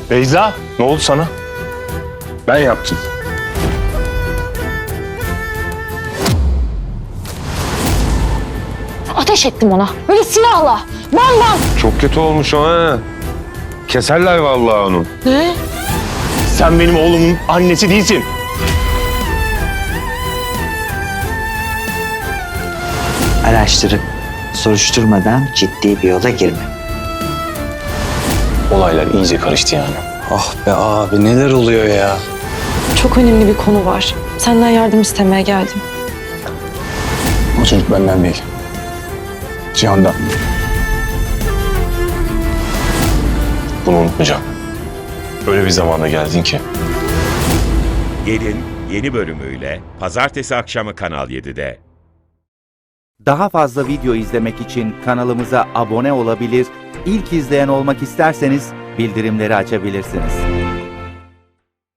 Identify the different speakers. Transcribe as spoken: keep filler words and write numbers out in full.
Speaker 1: Beyza, ne oldu sana? Ben yaptım.
Speaker 2: Ateş ettim ona. Böyle silahla. Bam bam.
Speaker 1: Çok kötü olmuş o ha. Keserler vallahi onu.
Speaker 2: Ne?
Speaker 1: Sen benim oğlumun annesi değilsin.
Speaker 3: Araştırıp soruşturmadan ciddi bir yola girme.
Speaker 1: Olaylar iyice karıştı yani.
Speaker 4: Ah be abi neler oluyor ya?
Speaker 5: Çok önemli bir konu var. Senden yardım istemeye geldim.
Speaker 4: O çocuk benden değil. Cihan'dan.
Speaker 1: Bunu unutmayacağım. Öyle bir zamana geldin ki.
Speaker 6: Gelin yeni bölümüyle pazartesi akşamı Kanal yedide.
Speaker 7: Daha fazla video izlemek için kanalımıza abone olabilir, ilk izleyen olmak isterseniz bildirimleri açabilirsiniz.